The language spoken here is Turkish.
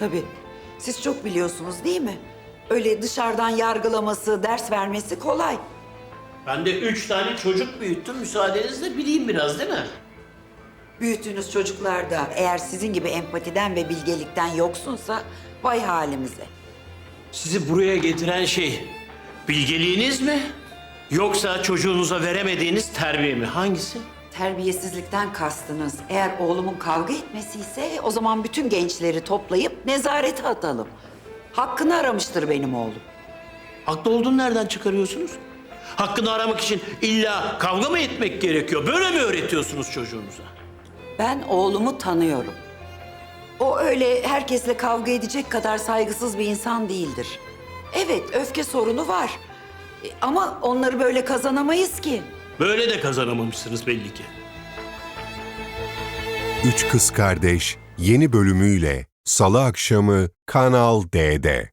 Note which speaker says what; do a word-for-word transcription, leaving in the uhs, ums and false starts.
Speaker 1: Tabii. Siz çok biliyorsunuz değil mi? Öyle dışarıdan yargılaması, ders vermesi kolay.
Speaker 2: Ben de üç tane çocuk büyüttüm. Müsaadenizle bileyim biraz değil mi?
Speaker 1: Büyüttüğünüz çocuklar da eğer sizin gibi empatiden ve bilgelikten yoksunsa vay halimize.
Speaker 2: Sizi buraya getiren şey bilgeliğiniz mi? Yoksa çocuğunuza veremediğiniz terbiye mi? Hangisi?
Speaker 1: Terbiyesizlikten kastınız eğer oğlumun kavga etmesi ise o zaman bütün gençleri toplayıp nezarete atalım. Hakkını aramıştır benim oğlum.
Speaker 2: Haklı olduğunu nereden çıkarıyorsunuz? Hakkını aramak için illa kavga mı etmek gerekiyor? Böyle mi öğretiyorsunuz çocuğunuza?
Speaker 1: Ben oğlumu tanıyorum. O öyle herkesle kavga edecek kadar saygısız bir insan değildir. Evet, öfke sorunu var. E, Ama onları böyle kazanamayız ki.
Speaker 2: Böyle de kazanamamışsınız belli ki.
Speaker 3: Üç Kız Kardeş yeni bölümüyle Salı akşamı Kanal D'de.